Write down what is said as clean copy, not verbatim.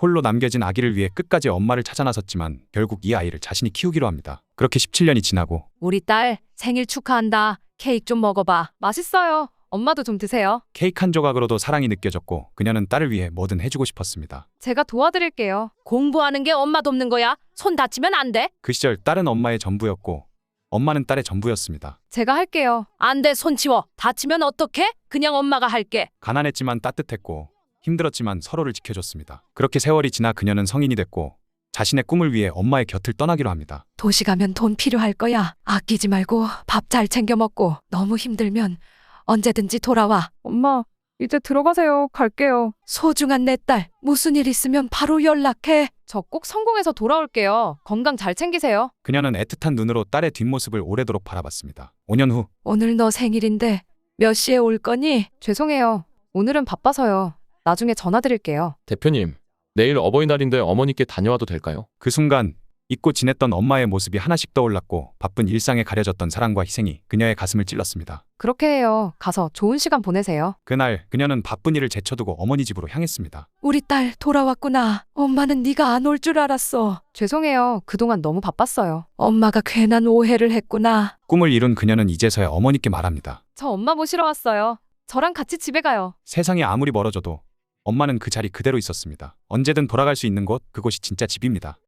홀로 남겨진 아기를 위해 끝까지 엄마를 찾아 나섰지만 결국 이 아이를 자신이 키우기로 합니다. 그렇게 17년이 지나고 우리 딸 생일 축하한다. 케이크 좀 먹어봐. 맛있어요. 엄마도 좀 드세요. 케이크 한 조각으로도 사랑이 느껴졌고 그녀는 딸을 위해 뭐든 해주고 싶었습니다. 제가 도와드릴게요. 공부하는 게 엄마 돕는 거야. 손 다치면 안 돼. 그 시절 딸은 엄마의 전부였고 엄마는 딸의 전부였습니다. 제가 할게요. 안 돼, 손 치워. 다치면 어떡해? 그냥 엄마가 할게. 가난했지만 따뜻했고 힘들었지만 서로를 지켜줬습니다. 그렇게 세월이 지나 그녀는 성인이 됐고 자신의 꿈을 위해 엄마의 곁을 떠나기로 합니다. 도시 가면 돈 필요할 거야. 아끼지 말고 밥 잘 챙겨 먹고 너무 힘들면 언제든지 돌아와. 엄마, 이제 들어가세요. 갈게요. 소중한 내 딸, 무슨 일 있으면 바로 연락해. 저 꼭 성공해서 돌아올게요. 건강 잘 챙기세요. 그녀는 애틋한 눈으로 딸의 뒷모습을 오래도록 바라봤습니다. 5년 후 오늘 너 생일인데 몇 시에 올 거니? 죄송해요. 오늘은 바빠서요. 나중에 전화 드릴게요. 대표님, 내일 어버이날인데 어머니께 다녀와도 될까요? 그 순간 잊고 지냈던 엄마의 모습이 하나씩 떠올랐고 바쁜 일상에 가려졌던 사랑과 희생이 그녀의 가슴을 찔렀습니다. 그렇게 해요. 가서 좋은 시간 보내세요. 그날 그녀는 바쁜 일을 제쳐두고 어머니 집으로 향했습니다. 우리 딸 돌아왔구나. 엄마는 네가 안 올 줄 알았어. 죄송해요. 그동안 너무 바빴어요. 엄마가 괜한 오해를 했구나. 꿈을 이룬 그녀는 이제서야 어머니께 말합니다. 저 엄마 모시러 왔어요. 저랑 같이 집에 가요. 세상이 아무리 멀어져도 엄마는 그 자리 그대로 있었습니다. 언제든 돌아갈 수 있는 곳, 그곳이 진짜 집입니다.